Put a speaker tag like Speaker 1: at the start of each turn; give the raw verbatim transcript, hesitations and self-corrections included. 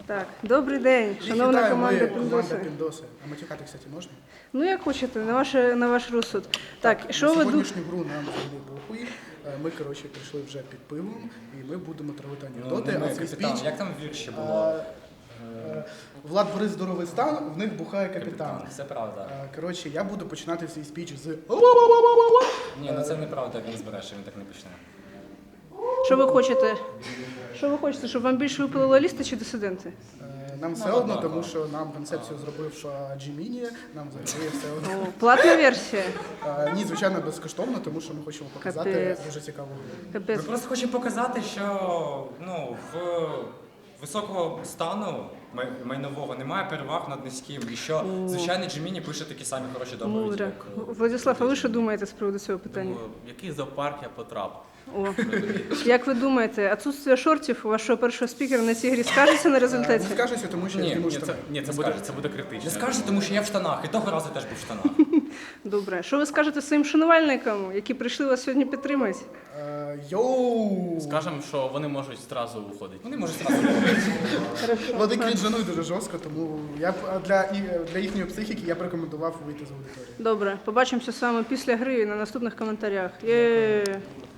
Speaker 1: Так, добрий день,
Speaker 2: Їх
Speaker 1: шановна
Speaker 2: вітаю,
Speaker 1: команда
Speaker 2: ми команда
Speaker 1: Піндоси.
Speaker 2: Піндоси. А матюкати, кстати, можна?
Speaker 1: Ну, як хочете, на ваш, на ваш розсуд. Так, що
Speaker 2: на
Speaker 1: ви ду...
Speaker 2: сьогоднішню гру нам взагалі похуй. Е, Ми, коротше, прийшли вже під пивом, і ми будемо травити анекдоти,
Speaker 3: Ну,
Speaker 2: а
Speaker 3: не
Speaker 2: цей
Speaker 3: капітан,
Speaker 2: спіч...
Speaker 3: як там вірші було?
Speaker 2: е, е, Влад Борис здоровий стан, в них бухає капітан.
Speaker 3: Це правда.
Speaker 2: Е, Коротше, я буду починати свій спіч з...
Speaker 3: Ні, ну це неправда, він збереше, він так не почне.
Speaker 1: Що ви хочете? Що ви хочете, щоб вам більше випили лоялісти чи дисиденти?
Speaker 2: Е, Нам все одно, тому що нам концепцію зробив е, Джиміні, нам взагалі все одно.
Speaker 1: О, платна версія.
Speaker 2: Е, Ні, звичайно, безкоштовно, тому що ми хочемо показати
Speaker 1: Капець.
Speaker 2: дуже цікаву гру.
Speaker 3: Ми
Speaker 1: Капець.
Speaker 3: просто хочемо показати, що ну, в високого стану май- майнового немає переваг над низьким. І що, звичайно, Джиміні пише такі самі хороші доповіді.
Speaker 1: Мудро.
Speaker 3: як-
Speaker 1: Владислав, а ви що думаєте з приводу цього питання?
Speaker 4: Думаю, в який зоопарк я потрапив.
Speaker 1: О, як ви думаєте, отсутствие шортів у вашого першого спікера на цій грі скажеться на результаті?
Speaker 2: Не скажеться, тому що я
Speaker 3: Ні,
Speaker 2: зніму
Speaker 4: Ні, це,
Speaker 2: штани.
Speaker 4: ні, це,
Speaker 3: Не
Speaker 4: буде,
Speaker 3: скажете.
Speaker 4: це буде критично.
Speaker 3: Не скажете, тому що я в штанах, і того разу теж був в штанах.
Speaker 1: Добре. Що ви скажете своїм шанувальникам, які прийшли вас сьогодні підтримати?
Speaker 2: Е, Йоу!
Speaker 4: Скажемо, що вони можуть зразу виходити.
Speaker 3: Вони можуть зразу.
Speaker 2: Вони крінжанують дуже жорстко, тому я б а для, і- для їхньої психіки я б рекомендував вийти з аудиторії.
Speaker 1: Добре, побачимося з вами після гри і на наступних коментарях. Є.